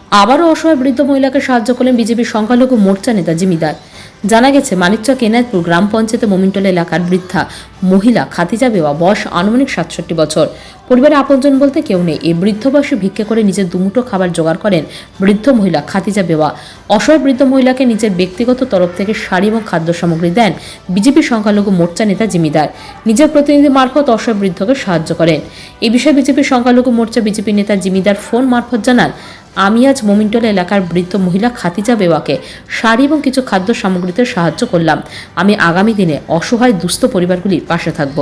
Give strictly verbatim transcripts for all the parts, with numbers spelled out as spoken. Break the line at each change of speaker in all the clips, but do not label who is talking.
আবারও অসহায় বৃদ্ধ মহিলাকে সাহায্য করলেন বিজেপির সংখ্যালঘু মোর্চা নেতা জিমিদার। জানা গেছে, মানিকচক এনায়তপুর গ্রাম পঞ্চায়েতে মোমিনটোলা এলাকার বৃদ্ধা মহিলা খাদিজা বেওয়া, বয়স আনুমানিক সাতষট্টি বছর। পরিবারে আপনজন বলতে কেউ নেই। এই বৃদ্ধ বয়সে ভিক্ষে করে নিজের দুমুঠো খাবার জোগাড় করেন বৃদ্ধ মহিলা খাদিজা বেওয়া। অসহায় বৃদ্ধ মহিলাকে নিজের ব্যক্তিগত তরফ থেকে শাড়ি এবং খাদ্য সামগ্রী দেন বিজেপি সংখ্যালঘু মোর্চা নেতা জিমিদার। নিজের প্রতিনিধি মারফত অসহায় বৃদ্ধকে সাহায্য করেন। এই বিষয়ে বিজেপি সংখ্যালঘু মোর্চা বিজেপি নেতা জিমিদার ফোন মারফত জানান, আমি আজ মোমিনটোলা এলাকার বৃদ্ধ মহিলা খাদিজা বেওয়াকে শাড়ি এবং কিছু খাদ্য সামগ্রীতে সাহায্য করলাম। আমি আগামী দিনে অসহায় দুস্থ পরিবারগুলির পাশে থাকব।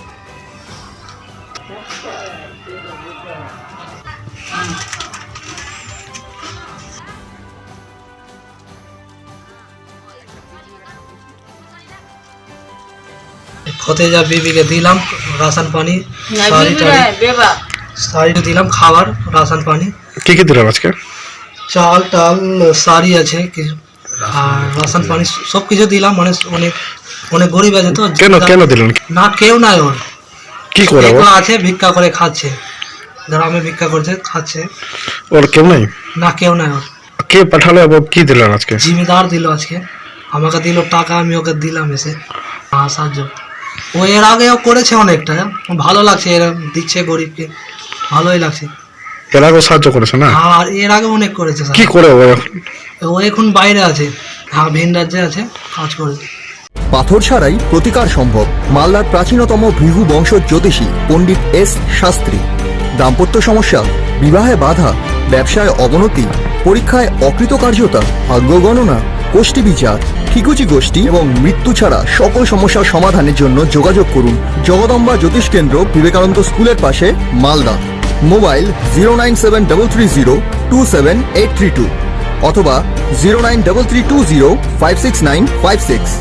খতেজা বিবিকে দিলাম রাশন পানি, শাড়ি টাড়ি শাড়ি দিলাম, খাবার, রাশন পানি।
কি কি দিলাম আজকে?
চাল টাল, শাড়ি আছে কিছু, আর রাশন পানি সব কিছু দিলাম। মানে অনেক অনেক গরিব আছে তো।
কেন কেন দিলেন?
না কেউ নাই, ওর
কি করে ও?
আছে ভিক্ষা করে খাচ্ছে, গ্রামে ভিক্ষা করছে খাচ্ছে।
ওর কেউ নাই?
না কেউ নাই ওর।
কে পাঠালো এবং কি দিলেন আজকে?
জিমিদার দিল আজকে, আমাকে দিল টাকা, আমি ওকে দিলাম এসে সাহায্য। ও এর আগেও করেছে অনেকটা, ভালো লাগছে, এরা দিচ্ছে গরিবকে, ভালোই লাগছে।
এর আগেও সাহায্য করেছে না?
আর এর আগে অনেক করেছে।
কি করে ও এখন?
ও এখন বাইরে আছে, হ্যাঁ ভিন রাজ্যে আছে, কাজ করে।
পাথর ছাড়াই প্রতিকার সম্ভব। মালদার প্রাচীনতম ভৃগু বংশ জ্যোতিষী পণ্ডিত এস শাস্ত্রী। দাম্পত্য সমস্যা, বিবাহে বাধা, ব্যবসায় অবনতি, পরীক্ষায় অকৃতকার্যতা, ভাগ্য গণনা, গোষ্ঠী বিচার, ঠিকুচি গোষ্ঠী এবং মৃত্যু ছাড়া সকল সমস্যার সমাধানের জন্য যোগাযোগ করুন জগদম্বা জ্যোতিষ কেন্দ্র, বিবেকানন্দ স্কুলের পাশে, Malda. Mobile zero nine seven double three zero two seven eight three two অথবা zero nine double three two zero five six nine five six.